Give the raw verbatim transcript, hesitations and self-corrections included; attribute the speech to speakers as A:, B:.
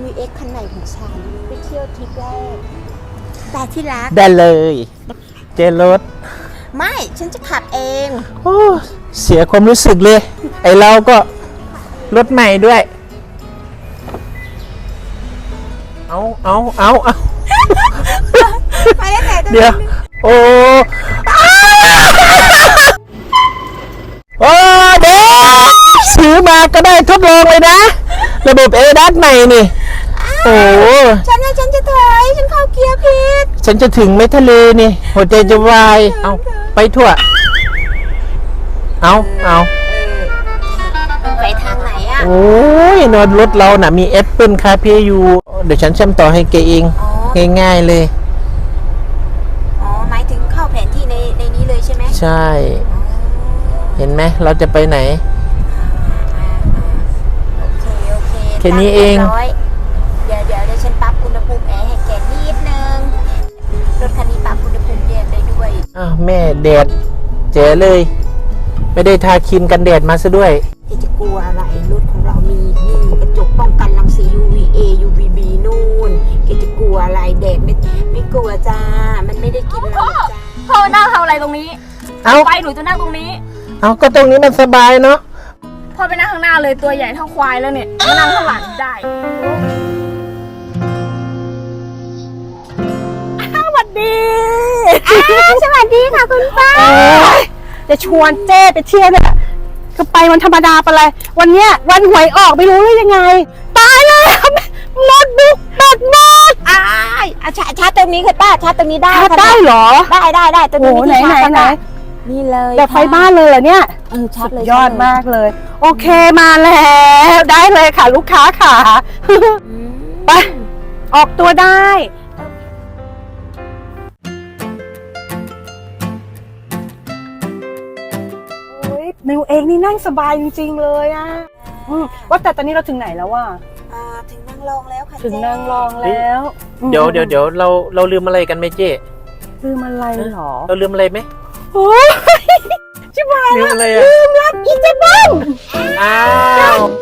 A: วี เอ็กซ์ คันใหม่ของฉันไปเที่ยวทริปแรกแต่ที่รัก
B: ได้เลยเจรถ
A: ไม่ฉันจะขับเอง
B: โอ้เสียความรู้สึกเลยไอเราก็รถใหม่ด้วยเอาเอาเอาเอา
A: ไปได้ไหน
B: เดี๋ยวโอ้โอ้เด็กซื้อมาก็ได้ทดลองเลยนะระบบเอดัสใหม่นี่โอ้
A: ฉันว่าฉันจะถอยฉันเข้าเกียร์ผิด
B: ฉันจะถึงไหมทะเลนี่หัวใจจะวายเอาไปทั่วเอาเอา
A: ไปทางไหนอ่ะ
B: โอ้ยนอนรถเราน่ะมีแอปเปิลคาเฟ่อยู่เดี๋ยวฉันเชื่อมต่อให้แกเองง่ายๆเลย
A: อ๋อหมายถึงเข้าแผนที่ในในนี้เลยใช่ไหม
B: ใช่เห็นไหมเราจะไปไหน
A: โอเคโอเค
B: แค่นี้เอง
A: เดี๋ยวเดี๋ยวเดี๋ยวฉันปรับอุณหภูมิแอร์ให้แกนิดนึงรถคันนี้ปรับอุณหภูมิแอร์ได้ด้วย
B: อ้าวแม่แดดเจ๋เลยไม่ได้ทาครีมกันแดดมาซะด้วย
A: แกจะกลัวอะไรรถของเรามีนี่กระจกป้องกันรังสี ยู วี เอ ยู วี บี นู่นแกจะกลัวอะไรแดดไม่ไม่กลัวจ้ามันไม่ได้กินเราจ้า
C: พ่อนั่งทำอะไรตรงนี้
B: เอา
C: ไปหนูจะนั่งตรงนี้
B: เอาก็ตรงนี้มันสบายเนาะ
C: พ่อไปนั่งข้างหน้าเลยตัวใหญ่เท่าควายแล้วเนี่ยมานั่งข้างหลังได้สวัสดี
A: สวัสดีค่ะคุณป้า
D: จะชวนเจ้ไปเที่ยวเนี่ยก็ไปวันธรรมดาไปเลยวันเนี้ยวันหวยออกไม่รู้เลยยังไงตายแล้วหมดบุกหมดหมด
A: อ้ายชาร์จชาร์จตรงนี้ค่ะป้าชาร์จตรงนี้ได้
D: ได้เหรอ
A: ได้ได้ได้ตรงนี้
D: ไหนไหนไหน
A: นี่เลย
D: แบบไฟบ้านเลยเหรอเนี่ย
A: เออชาร์จเลย
D: ยอดมากเลยโอเคมาแล้วได้เลยค่ะลูกค้าค่ะไปออกตัวได้นิวเองนี่นั่งสบายจริงๆเลยอ่ะว่าแต่ตอนนี้เราถึงไหนแล้ววะ
A: อ่าถึงนางรองแล้วค่ะ
D: ถึงนางรองแล้ว
B: เดี๋ยวเดี๋ยวเดี๋ยวเราเราลืมอะไรกันไหมเจ๊
D: ลืมอะไรหรอ
B: เราลืมอะไรไหม
D: โอ้ยชิบหาย
B: ลืมอะไรอ่ะ
D: ลืมรับอีเจบ้อง
B: อ้าว